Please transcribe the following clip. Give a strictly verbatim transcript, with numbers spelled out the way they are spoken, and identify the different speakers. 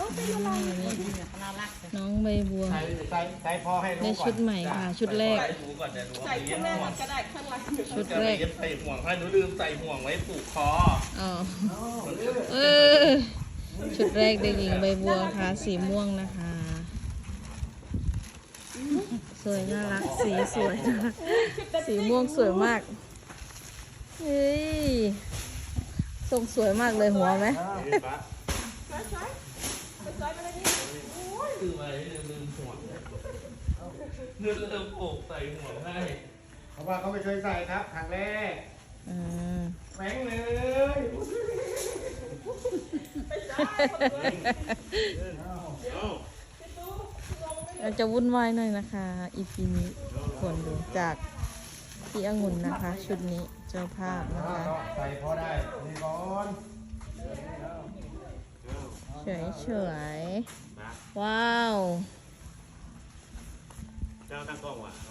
Speaker 1: น้องใบบัว
Speaker 2: ใส่ใส่ใส่พอให้รู้
Speaker 1: ได้
Speaker 2: ก่อน
Speaker 1: ชุดใหม่ค่ะ ชุดแรก
Speaker 3: ใส่หมูก่อนเดี๋ยวหนู
Speaker 4: ใส่
Speaker 3: เอาไปเย็
Speaker 4: ข้าง
Speaker 3: บ
Speaker 4: หน้า
Speaker 3: ห่ว
Speaker 4: มั
Speaker 3: ง
Speaker 4: นก็ได้ข้างหลัง
Speaker 1: ชุด
Speaker 3: จะ
Speaker 1: แร
Speaker 3: ไป
Speaker 1: ก
Speaker 3: เย็บใส่ห่วงให้หนูลืมใส่ห่วงไว้ผูกคอ
Speaker 1: อ๋อเออชุดแรกเด็กหญิงใบบัวค่ะ สีม่วงนะคะ สวยน่ารัก สีสวยนะคะสีม่วงสวยมาก เฮ้ยทรงสวยมากเลยหัวไหม
Speaker 3: คือไว้ลืมห่วงนึกเริ่มผูกใส่ห่วงให้
Speaker 2: เพราะว่าเขาไม่เคยใส่ครับครั้งแรก
Speaker 1: อืม
Speaker 2: แหวงเลย
Speaker 1: เราจะวุ่นวายหน่อยนะคะ อีพีนี้คนดูจากพี่องุ่นนะคะ ชุดนี้เจ้าภาพนะคะ
Speaker 2: ใส่พอได้นี่ก่อน
Speaker 1: เฉยเฉยๆว้าว
Speaker 3: เจ้าตั้งกล้องว่ะ